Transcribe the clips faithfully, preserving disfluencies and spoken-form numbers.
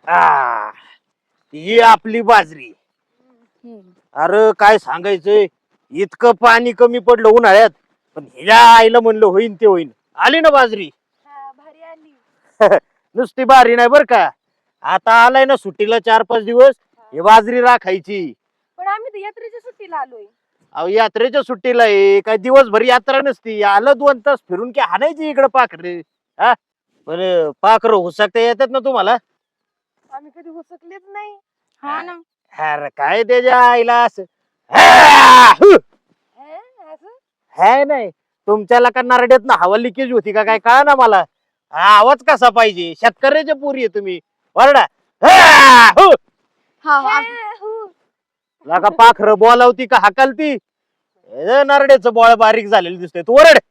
आ, ही आपली बाजरी. हम्म. अरे काय सांगायचंय, इतकं पाणी कमी पडलं उन्हाळ्यात, पण हिला आईला म्हणलं होईन ते होईन. आली ना बाजरी. हा, भारी आली. नुसती बारी नाही बर का, आता आलाय ना सुट्टीला चार पाच दिवस, हे बाजरी राखायची. पण आम्ही तर यात्रेच्या सुट्टीला आलोय. अहो यात्रेच्या सुट्टीला आहे काय, दिवसभर यात्रा नसती, आलं दोन तास फिरून की हाणायची इकडं पाखर. हा पण पाखर हुसकता येतात ना तुम्हाला? आम्ही कधी हुसकलेच नाही. हा ना. अरे काय त्याच्या आईला असं हा, हु. हे, असं है नाही तुमच्याला का नारड्यात ना हवा लिकेज होती का काय कळा ना मला. हा, आवाज कसा पाहिजे, शेतकऱ्याच्या पोरी आहे तुम्ही, वरडा. हा, हु. हा हा हु. लागा पाखर बोलावती का हाकालती? ए, नारड्याचं बोळ बारीक झालेलं दिसतंय, तू वरड.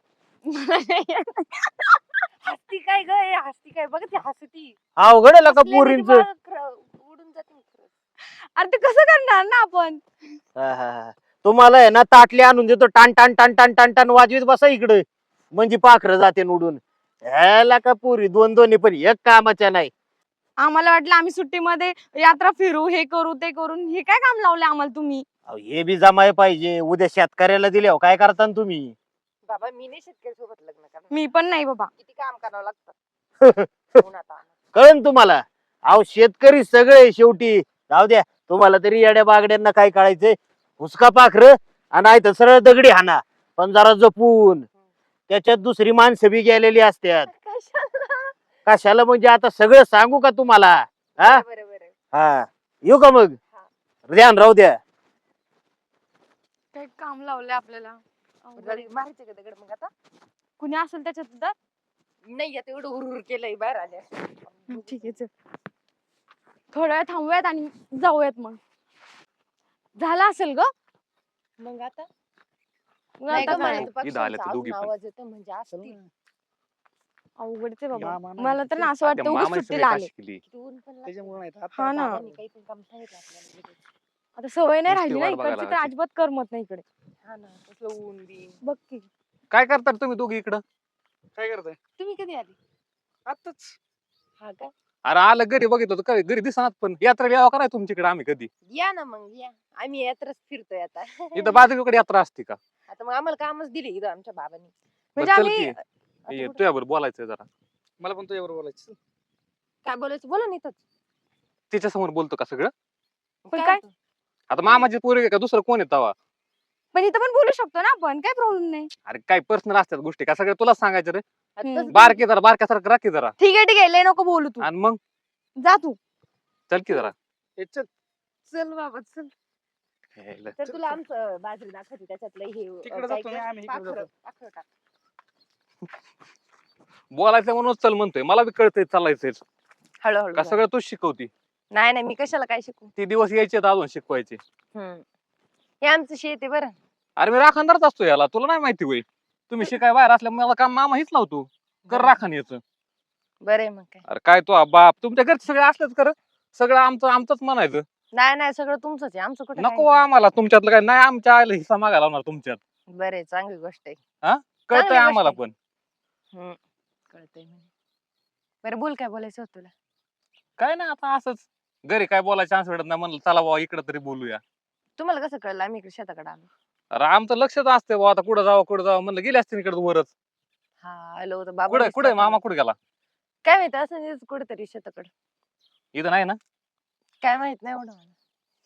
हसती काय ग, हे हसती काय बघ, ती हसती. अवघड आहे का हसल्याने ती पोरींच. बाळ खरं उडून जाते खरंच. अरे ते कसं करणार ना आपण. तुम्हाला आहे ना ताटली आणून देतो, टान टान टान टान टान टान वाजवीत बसा इकडे, म्हणजे पाखर जाते उडून. ह्याला का पोरी दोन दोन्ही पण एक कामाच्या नाही. आम्हाला वाटलं आम्ही सुट्टीमध्ये यात्रा फिरू, हे करू ते करून, हे काय काम लावले आम्हाला तुम्ही. अहो, हे बी जमाय पाहिजे, उद्या शेतकऱ्याला दिले हो काय करता न तुम्ही. बाबा मी नाही शेतकरी सोबत लग्न करणार. मी पण नाही बाबा. किती काम करावं लागतं. कळन तुम्हाला. अहो शेतकरी सगळे शेवटी. जाऊ द्या, तुम्हाला तरी येड्या बागड्यांना काय कळायचंय. हुसका पाखर आणि तर सरळ दगडी हाना, पण जरा जपून. त्याच्यात दुसरी माणसं बी गेलेली असतात. कशाला म्हणजे आता सगळं सांगू का तुम्हाला? हा हा, येऊ का मग? ध्यान राहू द्या. काय काम लावले आपल्याला. मारायचे का दगड मग आता? कुणी असेल त्याच्यात नाही, आता एवढं हुरहुर केलंय बाहेर आल्या. ठीक आहे, चल थोड्या वेळ थांबूयात आणि जाऊयात. मग झालं असेल ग मग आता. मग आता काय आवाज येतो म्हणजे असतील. अवघडच आहे बाबा, मला तर ना असं वाटतं उगाच सुट्टीला आले. हा ना, आता सवय नाही राहिली ना इकडची, तर अजिबात करमत नाही इकडे. हा ना, तसलं ऊन बिन बघ की. काय करतात तुम्ही दोघी इकडं? काय करताय? तुम्ही कधी आली? आताच. हा का? अरे आलं घरी बघितलं होतं, काय घरी दिसणार, पण यात्रा यावं कराय तुमच्याकडे आम्ही कधी. या ना मग, या आम्ही यात्राच फिरतोय आता. इथं बाजूकडे यात्रा असते का? आता मग आम्हाला कामच दिले इथं आमच्या बाबांनी. बरं, म्हणजे चल आम्ही की. आता ये, कुठं- तुझ्याबरोबर बोलायचंय जरा. मला पण तुझ्याबरोबर बोलायचं. काय बोलायचं बोला नाही. तिच्या समोर बोलतो का सगळं? पण काय, आता मामाची पोरगी आहे का दुसरं कोण आहे तवा? पण इथं पण बोलू शकतो ना आपण, काय प्रॉब्लेम नाही. अरे काय पर्सनल असतात गोष्टी का सगळं तुला सांगायचं रे? हम्म. बारके जरा बारक्यासारखं राखी जरा. ठीक आहे ठीक आहे, लय नको बोलू तू. आणि मग जा तू. चल की जरा. ए, चल. चल बाबा चल. हेला. तर तुला आमचं बाजरी दाखवते, त्याच्यातलं हे तिकडे जातो ना आम्ही, इकडे पाखरं- जातो. पाखरं टाक. बोलायचं म्हणून चल म्हणतोय, मला बी कळतंय चालायचंय हळूहळू का जा. सगळं तूच शिकवती. नाही नाही, मी कशाला काय शिकू. ती दिवस यायचे तर अजून शिकवायचे. हम्म, हे आमचं शेत आहे बरं. अरे मी राखणदारच असतो याला, तुला नाही माहिती होय? तुम्ही शिकाय बाहेर असल्यामुळे मला काम मामा हीच लावतो, कर राखण याचं. बरं आहे मग काय. अरे काय तो बाप, तुमच्या घरचे सगळे असलेच कर, सगळं आमचं आमचंच म्हणायचं. नाही नाही, सगळं तुमचंच आहे, आमचं कुठं नको आम्हाला तुमच्यातलं काय नाही, आमच्या आईला हिस्सा मागायला लावणार तुमच्यात. बरं आहे, चांगली गोष्ट आहे. कळतंय चांगली आम्हाला गोष्ट पण. हम्म, कळतंय म्हणे. बरं बोल, काय बोलायचं होतं तुला? काय नाही, आता असंच घरी काय बोलायचं चान्स भेटत नाही, म्हणलं चला बाबा इकडे तरी बोलूया. तुम्हाला कसं कळलं आम्ही इकडे शेताकडे आलो? अरे आमचं लक्षच असते बाबा, आता कुठं जावं कुठं जावं, म्हणलं गेले असते इकडे वरच. हा आलो होतो बाबा. कुठे कुठे मामा कुठे गेला? काय माहित, असं कुठेतरी शेताकडे. इथं नाही ना? काय माहित नाही एवढं मला.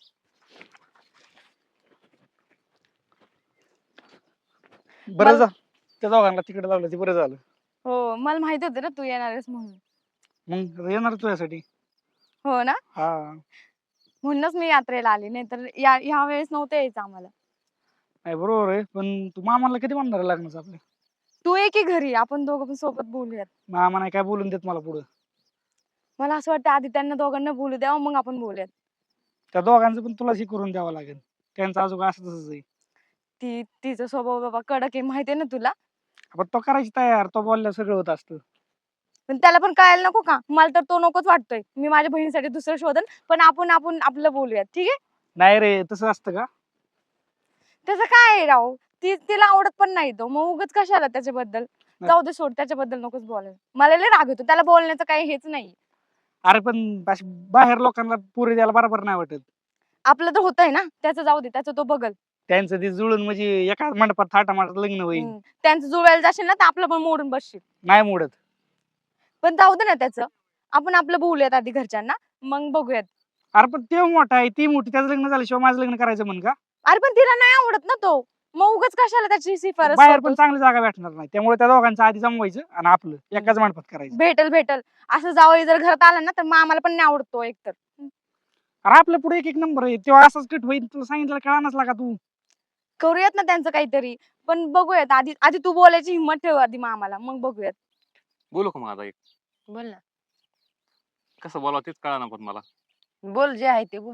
बरं जा, त्या दोघांना तिकडे लावलं ते बरं झालं. हो, मला माहित होतं ना तू येणार आहेस म्हणून. मग आता येणार तुझ्यासाठी. हो ना, हा, म्हणूनच मी यात्रेला आली, नाही तर या ह्या वेळेस नव्हतं यायचं आम्हाला. नाही बरोबर आहे, पण तू मामाला कधी म्हणणार आहे लग्नाचं आपल्या? तू ये की घरी, आपण दोघं पण सोबत बोलूयात. मामा नाही काय बोलून देत मला पुढं. मला असं वाटतं आधी त्यांना दोघांना बोलू द्यावं, मग आपण बोलूयात. त्या दोघांचं पण तुलाच हे करून द्यावं लागेल, त्यांचं अजून असं तसंच आहे. ती तिचा स्वभाव बाबा कडक आहे, माहितीये ना तुला. आपण तो करायची तयार, तो बोलल्या सगळं होत असतं. पण त्याला पण कळायला नको का? मला तर तो नकोच वाटतोय. मी माझ्या बहिणीसाठी दुसरं शोधन, पण आपण आपण आपलं बोलूयात, ठीक आहे? नाही रे, तसं असतं का? त्याचं काय आहे राव, ती तिला आवडत पण नाही तो, मग उगाच कशाला त्याच्याबद्दल. नाही. जाऊ दे सोड, त्याच्याबद्दल नकोच बोलायला. मला लय राग येतो, त्याला बोलण्याचं काही हेच नाही. अरे पण अशी बाहेर लोकांना पुरी द्यायला बरोबर नाही वाटत. आपलं तर होतंय ना, त्याचं जाऊ दे, त्याचं तो बघल. त्यांचं ते जुळून म्हणजे एका मंडपात थाटामाटात लग्न होईल. हम्म. त्यांचं जुळवायला जाशील ना तर आपलं पण मोडून बसशील. नाही मोडत. पण जाऊ दे ना त्याचं, आपण आपलं बोलूयात आधी घरच्यांना, मग बघूयात. अरे पण ते मोठा आहे, ती मोठी, त्याचं लग्न झाल्याशिवाय माझं लग्न करायचं म्हण का? अरे पण तिला नाही आवडत ना तो, मग उगाच कशाला त्याची शिफारस बाहेर पण करतोस? चांगली जागा भेटणार नाही, त्यामुळे त्या दोघांचं आधी जमवायचं आणि आपलं एकाच मंडपात करायचं. भेटल भेटल असं जावई जर घरात आला ना तर मग आम्हाला पण नाही आवडतो एकतर. अरे आपल्या पुढे एक एक नंबर आहे, तेव्हा असंच कट होईल. तुला सांगितलं कळानच लागा तू. करूयात ना त्यांचं काहीतरी, पण बघूयात आधी. आधी तू बोलायची हिंमत ठेव आधी मग आम्हाला, मग बघूयात. बोलू का माझा एक बोल ना. कसं बोलावं तेच कळा ना पण मला. बोल जे आहे ते बोल.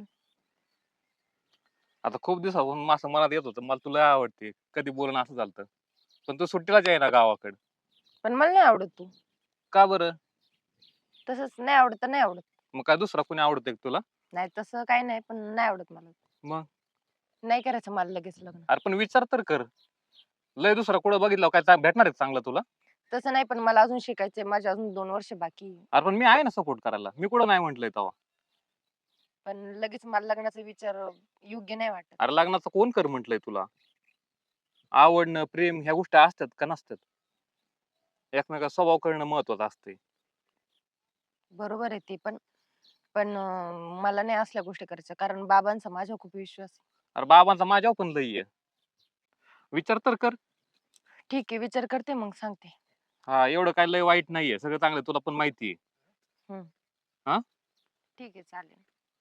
आता खूप दिवसापासून असं मनात येत होतं मला तुला आवडते, कधी बोलणं असं झालं. पण तू सुट्टीलाच आहे ना गावाकडे. पण मला नाही आवडत तू. का बरं? तसंच नाही आवडत तर नाही आवडत. मग काय दुसरा कोणी आवडतंय का तुला? नाही तसं काही नाही, पण नाही आवडत मला. मग नाही करायचं मला लगेच लग्न. अरे पण विचार तर कर, लय दुसरा कुठं बघितलं काय चा- भेटणार आहे चांगलं तुला? तसं नाही, पण मला अजून शिकायचंय, माझे अजून दोन वर्ष बाकी आहे. अरे पण मी आहे ना सपोर्ट करायला, मी कुठं नाही म्हंटलय तेव्हा. पण लगेच मला लग्नाचा विचार योग्य नाही वाटत. अरे लग्नाचं कोण कर म्हंटलय तुला? आवडणं प्रेम ह्या गोष्टी असतात का नसतात? एकमेका स्वभाव करणं महत्वाचं असते. बरोबर आहे ते पण, पण अं, मला नाही असल्या गोष्टी करायच्या, कारण बाबांचा माझ्यावर खूप विश्वास आहे. अरे बाबांचा माझ्यावर पण लई आहे, विचार तर कर. ठीक आहे, विचार करते मग सांगते. हा एवढं काय लय वाईट नाहीये, सगळं चांगलं तुला पण माहिती आहे. ठीक आहे चालेल.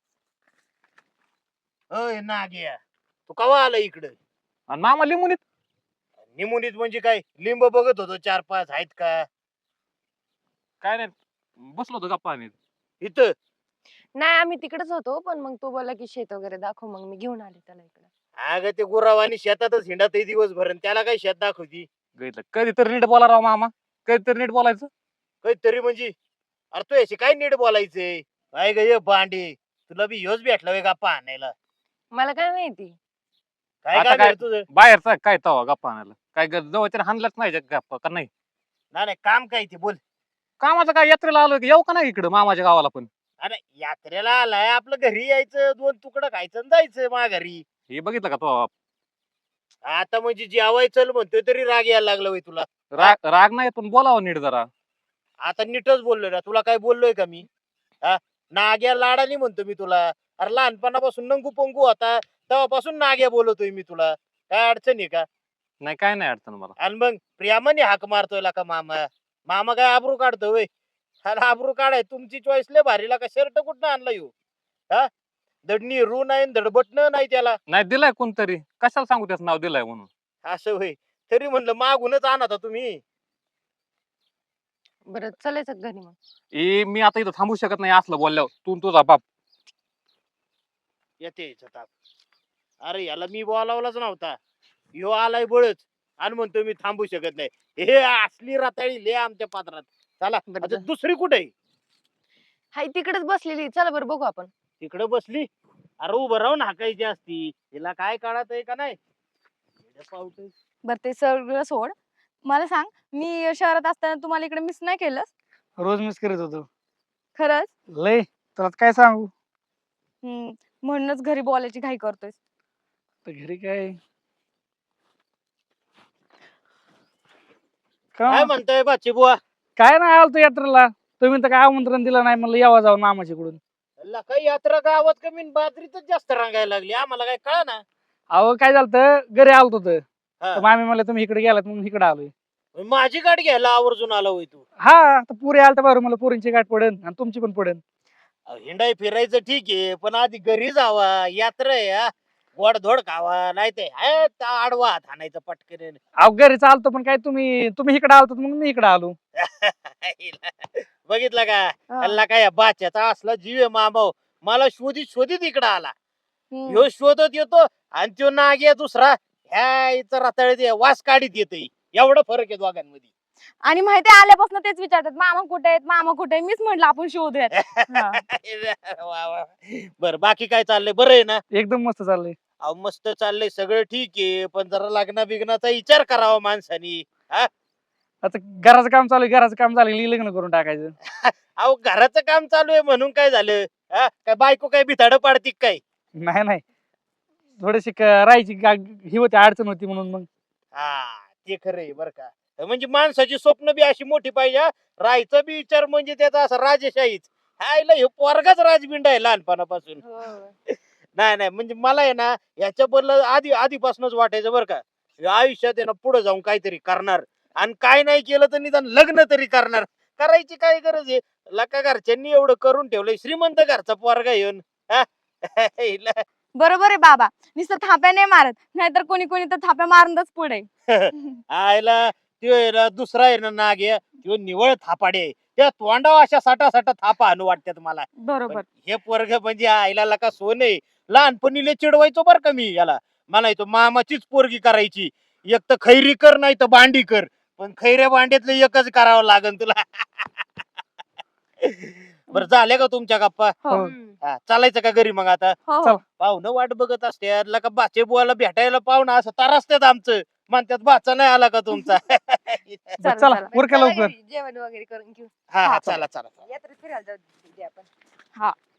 अय नाग्या, तू कवा आला इकडं? आणि मामा लिंबूनीत निमुनीत म्हणजे काय, लिंब बघत होतो चार पाच आहेत का काय नाही, बसलो होतो गप्पा आणि इथं? नाही आम्ही तिकडेच होतो, पण मग तो बोला की शेत वगैरे दाखव, मग मी घेऊन आले त्याला इकडे. अगं ते गुरावानी शेतातच हिंडत दिवसभर आणि त्याला काय शेत दाखवती? घेतलं. कधीतरी नीट बोला राव मामा, कधीतरी नीट बोलायचं. काहीतरी म्हणजे, अरे तू याशी काय नीट बोलायचंय? काय ग ये भांडे, तुला बी ह्योच भेटला वे गप्पा आणायला? मला काय माहिती. काय आता काय काय भेट तुझं? बाहेरचा काय तवा गप्पा आणायला, काय जवळच्या हाणलाच नाही जग गप्पा का नाही? ना नाही काम काय ते बोल. कामाचं काय यात्रेला आलोय की येऊ का नाही इकडं मामाच्या गावाला पण? अरे यात्रेला आलाय, आपलं घरी यायचं, दोन तुकडं खायचं आणि जायचं मा घरी. हे बघितलं का तो? आता म्हणजे जेवाय चल म्हणतोय तरी राग यायला लागला वय तुला? राग राग नाही पण बोलावं नीट जरा. आता नीटच बोललोय ना, तुला काय बोललोय का मी? हा, नाग्या लाडानी म्हणतो मी तुला. अरे लहानपणापासून नंगू पंगू होता तेव्हापासून नाग्या बोलतोय मी तुला. काय अडचण आहे का? नाही काय नाही अडचण मला. आणि मग प्रियामाने हाक मारतोय का मामा? मामा काय आबरू काढतो वय? अरे आबरू काढाय तुमची चॉईस लय भारीला का शर्ट कुठं आणला येऊ? हा, दडणी रू नाही धडबटणं नाही त्याला. नाही दिलाय कोणतरी, कशाला सांगू त्याचं नाव दिलाय म्हणून? असं होय, तरी म्हणलं मागूनच आणता तुम्ही. बरं चलायचं घरी मग. ए मी आता इथं थांबू शकत नाही असलं बोलल्यावर, तू आणि तुझा बाप. येते याचा ताप. अरे याला मी बोलावलाच नव्हता, ह्यो आलाय बळच आणि म्हणतोय मी थांबू शकत नाही. हे असली रताळी ले आमच्या पात्रात. चला बरं आता जा. दुसरी कुठे आहे? हाय तिकडेच बसलेली, चला बरं बघू आपण. तिकडे बसली? अरे उभं राहून हाकायची असती, हिला काय काढत आहे का नाही? येडं पावटं. बरं ते सगळं सोड, मला सांग, मी शहरात असताना तुम्हाला इकडे मिस नाही केलं? रोज मिस करत होतो. खरंच? लय तुला काय सांगू. हम्म, म्हणूनच घरी बोलायची घाई करतोय. तर घरी काय काय का म्हणतोय बाची बुवा? काय नाही आलतो यात्रेला. तुम्ही तर काय आमंत्रण दिलं नाही, म्हणलं यावा जाऊ मामाच्याकडून. ला काही यात्रा गावात कमी आणि बाजरीतच जास्त रांगायला लागली, आम्हाला काय कळा ना. अहो काय झालं, घरी आलतो तर हा. तर मामी म्हणलं तुम्ही इकडे गेलात म्हणून इकडे आलोय. माझी गाडी घ्यायला आवर्जून आला होय तू? हा, तर पुरी आलता बरं, मला पुरींची गाठ पडेल आणि तुमची पण पडेल. अहो, हिंडाय फिरायचं ठीक आहे, पण आधी घरी जावा, यात्रा आहे हा. गोडधोड खावा, नाही ते हाय त्या आडवा हात हाणायचं पटकन. अहो घरी चालतो, पण काय तुम्ही तुम्ही इकडे आलतो म्हणून मी इकडे आलो. बघितलं का? हा. हल्ला काय बाच्याचा असला जीव आहे मामाव. मला शोधित शोधित इकडं आला. हम्म. ह्यो शोधत येतो आणि त्यो नाग्या दुसरा ह्या इथं रताळीत वास काढीत येतोय. एवढा फरक आहे दोघांमध्ये. आणि माहिती आल्यापासून तेच विचारतात, मामा कुठे आहेत, मामा कुठे आहे. मीच म्हटलं आपण शोधूयात. हा. वा वा. बर बाकी काय चाललंय? बरं आहे ना? एकदम मस्त चाललंय. अहो मस्त चाललंय, सगळं ठीक आहे, पण जरा लग्ना बिग्नाचा विचार करावा माणसानी. आता घराचं काम चालू आहे, घराचं काम झालं की लग्न करून टाकायचं. अहो घराचं काम चालू आहे म्हणून काय झालं? हा काय बायको काय बिथाड पाडती का काय? नाही नाही थोडीशी क- राहायची गा- ही होती, अडचण होती म्हणून मग. हा ते खरं आहे बरं का. म्हणजे माणसाची स्वप्न बी अशी मोठी पाहिजे हा. राहायचं बी विचार म्हणजे त्याचा असं राजेशाहीच. हायला हे पोरगाच राजबिंड आहे लहानपणापासून. नाही नाही म्हणजे मला आहे ना याच्या बदल आधी आधीपासूनच वाटायचं बरं का, हे आयुष्यात आहे ना पुढे जाऊन काहीतरी करणार आणि काय नाही केलं तर निदान लग्न तरी करणार. करायची काय गरज आहे? लका घरच्यांनी एवढं करून ठेवलंय, श्रीमंत घरचा पोरगा येऊन हा? हिला- बरोबर आहे बाबा, नुसतं थाप्या नाही मारत, नाहीतर कोणी कोणी तर थाप्या मारूनच पुढे. आयला त्यो आहे ना दुसरा आहे ना नाग आहे, त्यो निवळ थापाडे आहे. त्या तोंडावर अशा साठा साठा थापा आणू वाटतात मला. बरोबर. पण हे पोरग म्हणजे आईला लका सोन आहे. लहानपणी लय चिडवायचो बर का मी याला. म्हणायचो मामाचीच पोरगी करायची, एक तर खैरी कर नाही तर भांडी कर, पण खैऱ्या भांड्यातलं एकच करावं लागन तुला. बर झाले का तुमच्या गप्पा? हो हा, चालायचं का घरी मग आता? हो चल. पाहुणं वाट बघत असते का बाचे बुवाला भेटायला पाहुणा असं तारासतात आमचं. म्हणतात बाचा नाही आला का तुमचा? बरं, चला, चला चला. उरका लवकर. जेवण वगैरे करून घेऊ हा हा हा. चला चला. यात्रेत फिरायला जाऊ दे आपण. हा